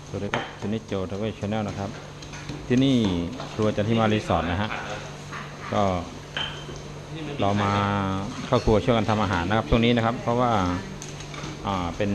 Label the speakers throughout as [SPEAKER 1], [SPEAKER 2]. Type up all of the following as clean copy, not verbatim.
[SPEAKER 1] สวัสดีครับที่นี่โจทาวเวลชาแนลนะครับที่นี่ครัวจันทิมารีสอร์ทนะฮะก็เรามาเข้าครัวช่วยกันทำอาหารนะครับช่วงนี้นะครับเพราะว่าเป็น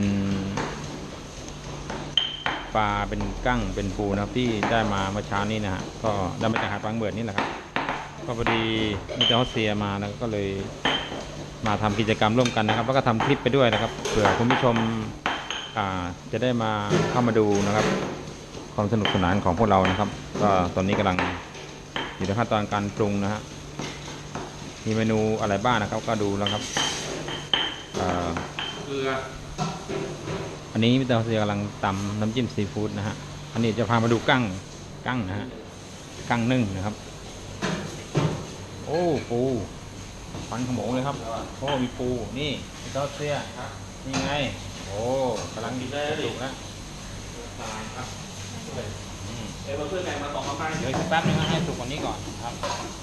[SPEAKER 1] ปลาเป็นกั้งเป็นปูนะครับที่ได้มาเมื่อเช้านี้นะฮะก็ได้มาจากหาดบางเบิดนี่แหละครับก็พอดีมิสเตอร์ฮอสเซียมานะก็เลยมาทำกิจกรรมร่วมกันนะครับแล้วก็ทำคลิปไปด้วยนะครับเผื่อคุณผู้ชมจะได้มาเข้ามาดูนะครับความสนุกสนานของพวกเรานะครับก็ตอนนี้กำลังอยู่ในขั้นตอนการปรุงนะฮะมีเมนูอะไรบ้างนะครับก็ดูแล้วครับ
[SPEAKER 2] เกลือ
[SPEAKER 1] อันนี้มิสเตอร์ฮอสเซียกำลังตำน้ำจิ้มซีฟู้ดนะฮะอันนี้จะพามาดูกั้งนะฮะกั้งนึ่งนะครับโอ้ปูฟันขโมงเลยครับโอ้มีปูนี่มิสเตอร์ฮอสเซียนี่ไงโอ้กำลังดีได้สุกนะ
[SPEAKER 2] ครับมาเพื่อนไงมาต่อมาไป
[SPEAKER 1] เดี๋ยวอีกแป๊บนึงให้สุกกว่านี้ก่อนครับ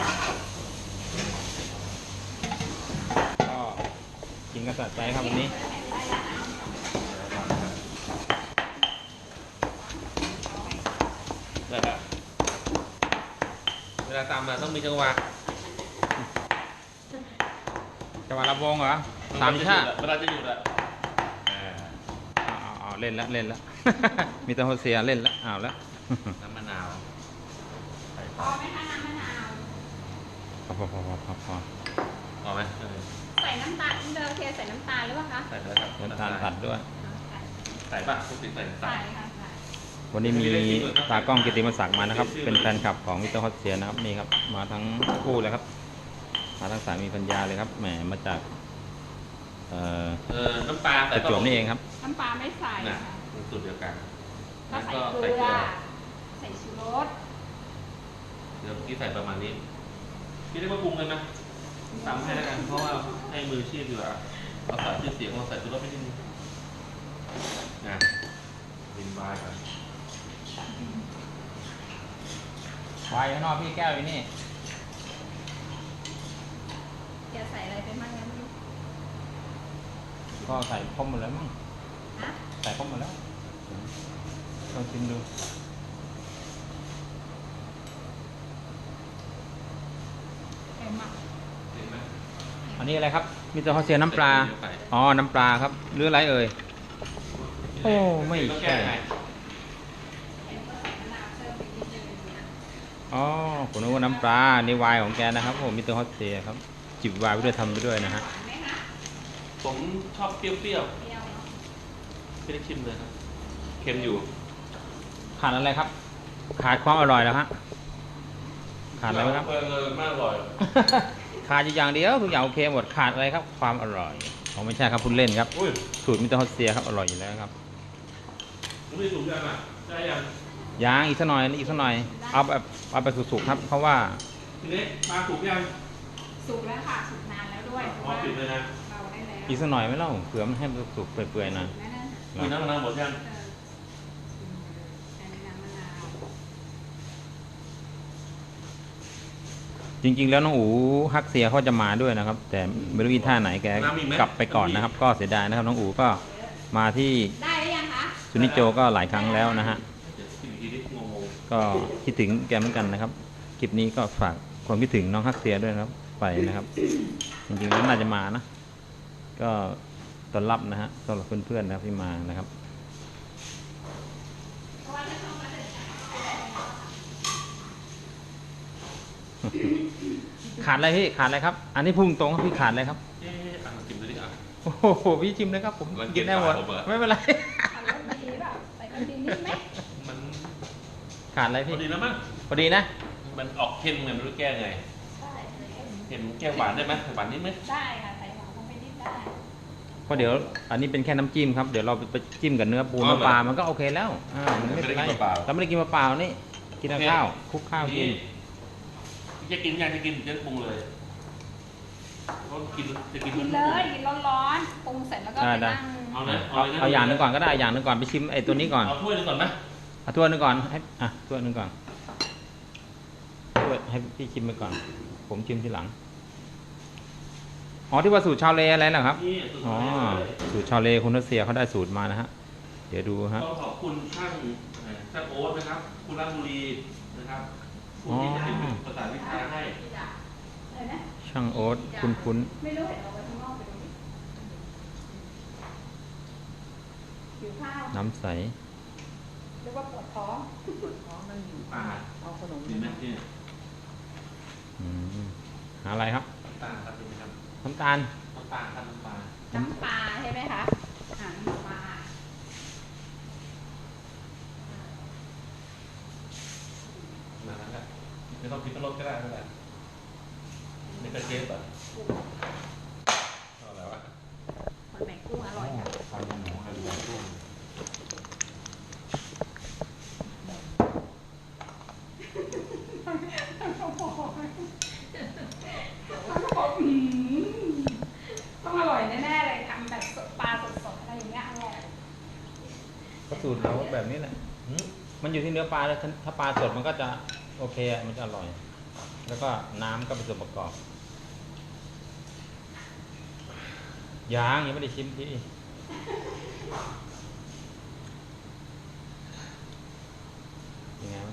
[SPEAKER 1] ก็กินกระสัดใจครับวันนี้
[SPEAKER 2] ได้แล้วเวลาตามมาต้องมีจังหวะ
[SPEAKER 1] ลำวงเหรอสามชา
[SPEAKER 2] เวลาจะหยุดอะ
[SPEAKER 1] เล่นแล้วมีแต่โฮเซียเล่นแล้วเอาแล้ว
[SPEAKER 2] น้ำมะนาว
[SPEAKER 3] พอไหมคะน้ำมะนาว
[SPEAKER 1] พอ
[SPEAKER 2] พอไหม
[SPEAKER 3] ใส่น้ำตาลเดอร์เทียใส่น้ำตาลหรือเปล่าคะ
[SPEAKER 2] ใส่เลยครับ
[SPEAKER 1] น้ำตาลตัดด้วย
[SPEAKER 2] ใส่ป่ะทุกสิ่งใส่
[SPEAKER 3] ใส่ค่ะ
[SPEAKER 1] วันนี้มีตากล้องกิติมศักดิ์มานะครับเป็นแฟนคลับของมิสเตอร์ฮอสเซียนะครับนี่ครับมาทั้งคู่เลยครับมาทั้งสามีภรรยาเลยครับแหมมาจาก
[SPEAKER 2] น้ำปลา
[SPEAKER 1] ประจวบนี่เองครับ
[SPEAKER 3] น้ำปลาไม่ใส่
[SPEAKER 2] สูตรเดียวกัน
[SPEAKER 3] ก็ใส่เกลือใส่ชูรส
[SPEAKER 2] เดี๋ยวพี่ใส่ประมาณนี้พี่ได้มาปรุงกันนะตามให้แล้วกันเพราะว่าให้มือชีพอยู่อะเราใส่ชื่อเสียงเราใส่ชูรสไม่ได้นะดินบายกัน
[SPEAKER 1] วายข้างนอกพี่แก้วอยู่นี่
[SPEAKER 3] จะใส่อะไรไปบ้างงั้น
[SPEAKER 1] ก็ใส่ครบหมดแล้วมั้งใส่ครบหมดแล้วลองชิมดูอันนี้อะไรครับมิสเตอร์ฮอสเซียน้ำปลาอ๋อน้ำปลาครับหรืออะไรเอ่ยโอ้ไม่ใช่อ๋อผมนึกว่าน้ำปลาในวายของแกนะครับผมมิสเตอร์ฮอสเซียครับจิบวายไปด้วยทำไปด้วยนะฮะ
[SPEAKER 2] ผมชอบเปรี้ยวๆไม่ได้ชิมเลยครับเค็มอยู่
[SPEAKER 1] ขาดอะไรครับขาดความอร่อยแล้วฮะขาดอะไรครับ
[SPEAKER 2] มากอร่อย
[SPEAKER 1] ขาดอย่างเดียวทุกอย่างโอเคหมดขาดอะไรครับความอร่อยเขาไม่ใช่ครับพูดเล่นครับสูตรมิสเตอร์ฮอสเซียครับอร่อยอยู่แล้วครับ
[SPEAKER 2] ไม่ถูกยังอ่ะได้
[SPEAKER 1] ยังอีกสักหน่อยเอาแบบสุกๆครับเพราะว่า
[SPEAKER 2] ทีนี้ปลาสุกยัง
[SPEAKER 3] สุกแล้วค่ะสุกนานแล้วด้วย
[SPEAKER 2] พอปิดเลยนะ
[SPEAKER 1] อีกสักหน่อยไม่เล่าเผื่อมันให้สุกเปื่อยๆนะ
[SPEAKER 2] มีน้ำมะนาวหมดยัง
[SPEAKER 1] จริงๆแล้วน้องอูฮักเซียเขาจะมาด้วยนะครับแต่ไม่รู้อีท่าไหนแกกลับไปก่อนนะครับก็เสียดายนะครับน้องอูก็มาที่
[SPEAKER 3] ได้หรือยังคะ
[SPEAKER 1] ซุนิโจก็หลายครั้งแล้วนะฮะก็คิดถึงแกเหมือนกันนะครับคลิปนี้ก็ฝากความคิดถึงน้องฮักเซียด้วยนะครับไปนะครับจริงๆแล้วน่าจะมานะก็ต้อนรับนะฮะสำหรับเพื่อนๆนะครับที่มานะครับขาดอะไรพี่ขาดอะไรครับอันนี้พุ่งตรงครับพี่ขาดอะไรครับ
[SPEAKER 2] ชิมเลยดิอ่ะ
[SPEAKER 1] โอ้โหพี่ชิมเลยครับผมกินได้หมดไม่เป็นไร
[SPEAKER 2] มัน
[SPEAKER 1] ขาดอะไรพี่
[SPEAKER 2] พอดีแล้วมั้ง
[SPEAKER 1] พอดีนะ
[SPEAKER 2] มันออกเค็มไงไม่รู้แก้ไงเค็มแก้หวานได้ไหมหวานนิดไหม
[SPEAKER 3] ได้ค่ะใส่หวานลงไปนิดได้
[SPEAKER 1] เพราะเดี๋ยวอันนี้เป็นแค่น้ำจิ้มครับเดี๋ยวเราไปจิ้มกับเนื้อปูเนื้อปลามันก็โอเคแล้วมันไม่เป็นไรเราไม่ได้กินเปล่านี่กินข้าวคลุกข้าวกิน
[SPEAKER 2] จะกินยังจะกินจะปรุงเลยก็กินจะกิน
[SPEAKER 3] เลยกินร้อนๆปรุงเสร็จแล้วก็ไปนั่ง
[SPEAKER 1] เอาอย่างนึงก่อนก็ได้อย่างนึงก่อนไปชิมไอ้ตัวนี้ก่อน
[SPEAKER 2] เอาถ้วยนึงก่อนไหม
[SPEAKER 1] เอาถ้วยนึงก่อนให้ถ้วยนึงก่อนถ้วยให้พี่ชิมไปก่อนผมชิมทีหลังอ๋อที่ว่าสูตรชาวเลอะไรนะครับอ๋อสูตรชาวเลคุณรัสเซียเขาได้สูตรมานะฮะเดี๋ยวดูฮะ
[SPEAKER 2] ต้องขอบคุณช่างโอ๊ตนะครับ คุณราชบุรีนะครับคุณที่จะเป็นภาษาวิชาให้
[SPEAKER 3] อะไรนะ
[SPEAKER 1] ช่างโอ๊ตคุ้น
[SPEAKER 3] ไม่รู้เห็นเอาไว้ข้างนอกไปดูดิหิวข้าว
[SPEAKER 1] ๆน้ำใส
[SPEAKER 3] หรือว่าปวดท้อง
[SPEAKER 2] ป่า
[SPEAKER 4] เอาขนม
[SPEAKER 2] ดีไหมเนี่ย
[SPEAKER 1] อืมหาอะไรครับ
[SPEAKER 2] น้ำตาลครับเป็นครับ
[SPEAKER 1] น้ำตาล
[SPEAKER 2] น้ำตาลครับน้ำตาล
[SPEAKER 3] น้ำปลาใช่ไหมคะน้ำปลา
[SPEAKER 2] มาแล้วครับไม่ต้องคิดเป็นรถก็ได้ไม่เป็นไรไม่กระเจี๊ยบอ่ะเอาอะไรวะ
[SPEAKER 3] หอยแมงกุ้งอร่อยค่ะ
[SPEAKER 2] ไข่หมูไข่หมูกุ้ง
[SPEAKER 3] ต้องอร่อยแน่ๆเลยทำแบบปลาสดๆอะไรอย่างเงี้ยอร่อย
[SPEAKER 1] ก็สูตรเราแบบนี้แหละ
[SPEAKER 2] หืม
[SPEAKER 1] มันอยู่ที่เนื้อปลาแล้วถ้าปลาสดมันก็จะโอเคอะมันจะอร่อย แล้วก็น้ำก็เป็นส่วนประกอบยังไม่ได้ชิมพี่ยังไงบ้าง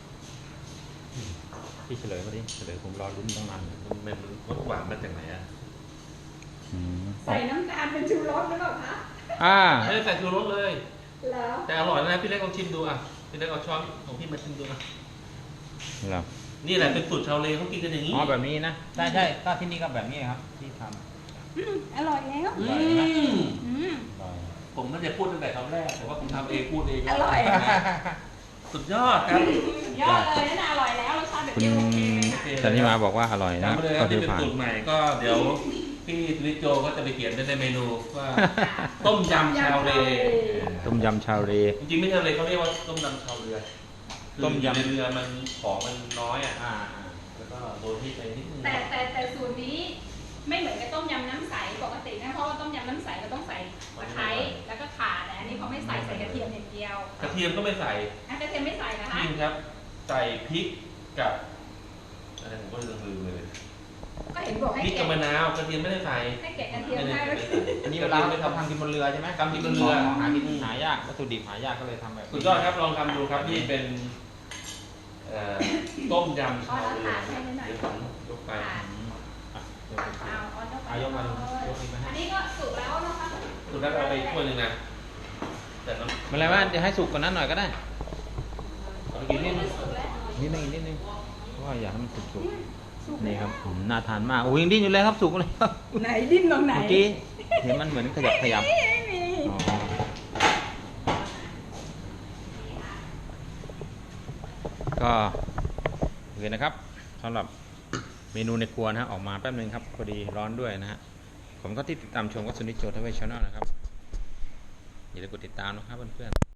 [SPEAKER 1] พี่เฉลยมาดิเฉลยผมรอลุ้นตั้งนาน
[SPEAKER 2] มันรสหวานมาจากไหนอ่ะ
[SPEAKER 3] ใส่น้ำตาลเป็นชูรสหรือเปล่าคะ
[SPEAKER 2] ไม่ได้ใส่ชูรสเลย
[SPEAKER 3] แล้ว
[SPEAKER 2] แต่อร่อยนะพี่เล็กลองชิมดูอ่ะพี่เล็กเอาช้อนของพี่มาชิมดูนะ
[SPEAKER 1] เหรอ
[SPEAKER 2] นี่แหละเป็นสูตรชาวเลเขากินกันอย่างนี้
[SPEAKER 1] อ๋อแบบนี้นะใช่ใช่ก็ที่นี่ก็แบบนี้ครับที่ทำ
[SPEAKER 3] อร่อยแล้ว
[SPEAKER 2] อืม
[SPEAKER 1] อร่อย
[SPEAKER 2] ผมไม่ได้พูดตั้งแต่คำแรกแต่ว่าผมทำเองพูดเอง
[SPEAKER 3] อร่อย
[SPEAKER 2] สุดยอดครับ
[SPEAKER 3] ยอดเลยนั่นอร่อยแล้วรสชาติแบบ
[SPEAKER 1] คุณ
[SPEAKER 3] นี้โอเคเลยค่ะ
[SPEAKER 1] สันนิมาบอกว่าอร่อยนะ
[SPEAKER 2] จำไปเลยค
[SPEAKER 1] ก็
[SPEAKER 2] รับ
[SPEAKER 1] คื
[SPEAKER 2] นี่
[SPEAKER 1] อ
[SPEAKER 2] เป็น
[SPEAKER 1] ผ่าน
[SPEAKER 2] สูตรใหม่ก็เดี๋ยวพี่ลิโจก็จะไปเขียนในเมนูว่าต้มยำชาวเล
[SPEAKER 1] ต้มยำชาวเร
[SPEAKER 2] จริงๆไม่ใช่เลยเขาเรียกว่าต้มยำชาวเรือ
[SPEAKER 1] ต้มยำ
[SPEAKER 2] คือในเรือมันของมันน้อยอ่ะแล้วก็โดนที่ไปนิดนึง
[SPEAKER 3] แต่สูตรนี้ไม่เหมือนกับต้มยำน้ำใสปกตินะเพราะว่าต้มยำน้ำใสเราต้องใส่ตะไคร้แล้วก็ข่าแต่อันนี้เขาไม่ใส่ใส่กระเทียมอย่างเดียว
[SPEAKER 2] กระเทียมก็ไม่ใส่
[SPEAKER 3] อ่ะกระเทียมไม่ใส่นะคะ
[SPEAKER 2] จริงครับ ใส่พริกกับอะไรผมก็ลืมเลย
[SPEAKER 3] ก็เห็นบอกให้
[SPEAKER 2] พริก
[SPEAKER 3] แกะ
[SPEAKER 2] กับมะนาวกระเทียมไม่ได้ใส่
[SPEAKER 3] ให้แกะกระเทียมให้
[SPEAKER 2] ไม่ได้ใส่
[SPEAKER 1] อันนี้เวลาเราทำกินบนเรือใช่ไหม
[SPEAKER 2] ทำกินบนเรือ
[SPEAKER 1] หากินหายากวัตถุดิบหายากก็เลยทำแบบนี้
[SPEAKER 2] สุดยอดครับลองทำดูครับนี่เป็นต้มยำชาวเรือเดี๋ยวผมยกไป
[SPEAKER 1] อืมอ่ะเดี๋ยวผม
[SPEAKER 3] เอายกไป
[SPEAKER 1] เอายกมาดูยกอีกไหมฮะ
[SPEAKER 3] อันนี้ก็สุกแล้วนะคะ
[SPEAKER 2] สุดท้ายเอาไปถ้วยหนึ่งนะแต่น้
[SPEAKER 1] ไม่เป็นไรว่าจะให้สุกกว่านั้นหน่อยก็ได้
[SPEAKER 2] ำเอาไปกินนิดนึง
[SPEAKER 3] สุกแล้ว
[SPEAKER 1] นิดนึงอีกนิดนึงเพราะว่าอยากให้มันสุกๆนี่ครับน่าทานมากโอ้ยยังดิ้นอยู่เลยครับสุกเลยครับ
[SPEAKER 3] ไหนดิ้นตรงไหน
[SPEAKER 1] เมื่อกี้เห็นมันเหมือนขยับ
[SPEAKER 3] ไม่มี
[SPEAKER 1] อ๋อก็โอเคนะครับสำหรับเมนูในครัวนะฮะออกมาแป๊บนึงครับพอดีร้อนด้วยนะฮะผมก็ที่ติดตามชมก็สุนิจโจทเวชชแนลนะครับอย่าลืมกดติดตามนะครับเพื่อนๆ